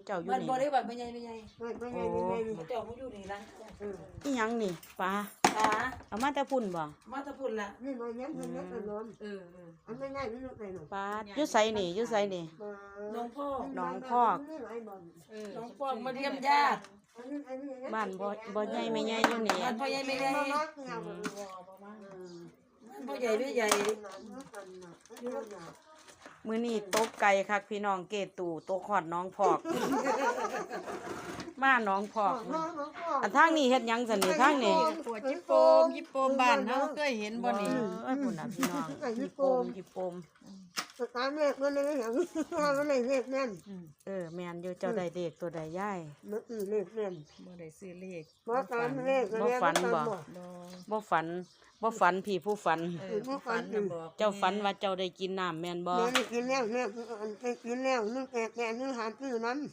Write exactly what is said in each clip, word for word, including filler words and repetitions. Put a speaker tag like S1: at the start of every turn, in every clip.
S1: เจ้าอยู่
S2: บ้าน
S1: นี่
S2: บ่ได้บ้านไม่ใหญ่ไม่ใหญ่
S3: ไม่ไม่ไงไม่ไง
S2: เจ้ามาอยู่นี่ละ
S1: อีหยังนี่ปลา
S2: ตา
S1: เอามาแต่พุ่นบ่
S2: มาตะพุ่นละ
S3: นี่มันยังมันยังนอน
S2: เออเออ
S3: อันไม่ง่ายไม่รู้ไปหนู
S1: ปลาอยู่ไสนี่อยู่ไสนี่
S2: น้องพ่อ
S1: น้องพอก
S2: น้องพ่อมาเยี่ยมญาติ
S1: บ้านบ่บ่ใหญ่ไม่ใหญ่อยู่นี่
S2: บ้านพ่อใหญ่ไม่ใหญ่บ้านพ่อใหญ่ไม่ใหญ่
S1: มื้อนี้ตกไก่คักพี่น้องเกตู่ตกฮอดน้องพอก มาน้องพอก อันทางนี้เฮ็ดหยังซั่นนี่ทางนี้
S4: ปวดจิโปมจิโปมบ้านเฮาเคยเห็นบ่นี่
S1: เอ้ยพุ่นน่ะพี่น้องจิโปมจิโปม
S3: ตามเลขมันเลยอย่างมันเลยเลขแน่น
S1: เออแม่นอยู่เจ้าได้เลขตัวใดยาย
S3: มันอือเลขแน่น
S4: บ่ได้ซื้อเลข
S3: บ่ตามเลข
S1: บ่ฝันบ่
S4: บ่
S1: บ่ฝันบ่ฝันพี่ผู้ฝัน
S4: เออผู้ฝันน่ะบอก
S1: เจ้าฝันว่าเจ้าได้กินน้ำแม่นบ่
S3: เดี๋ยวนี้กินแล้วเนี่ยกินแล้วนึกแก่แก่นึกหาซื้อนั้น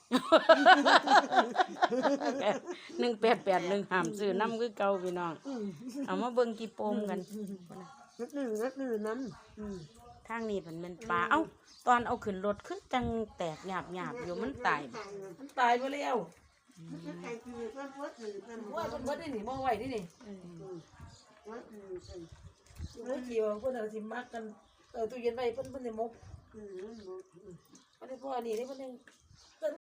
S1: หนึ่งแปดแปดหนึ่งห้ามซื้อน้ำคือเก่าพี่น้องเอามาเบิ่งกี่โปมกัน
S3: นึกนึกนึกนึกนั้น
S1: ทางนี้มันเป็นปลาเอ้าตอนเอาขึ้นรถคือจังแตกหยาบหยาบอยู่มันตายบ่
S2: มันตายไปแล้ว
S3: ใครคือเพื่อนเพื่อนอื่นเพื่อน
S2: ว่าเพิ่นบ่ได้หนีมองไว้นี่นี่
S3: เพื่อนอื่น
S2: เมื่อกี้ว่าเพิ่นเอาสิมักกันเออตู้เย็นไว้เพิ่นเพิ่นสิมก
S3: อืม
S2: อันนี้พ่อนี่นี่เพิ่นยัง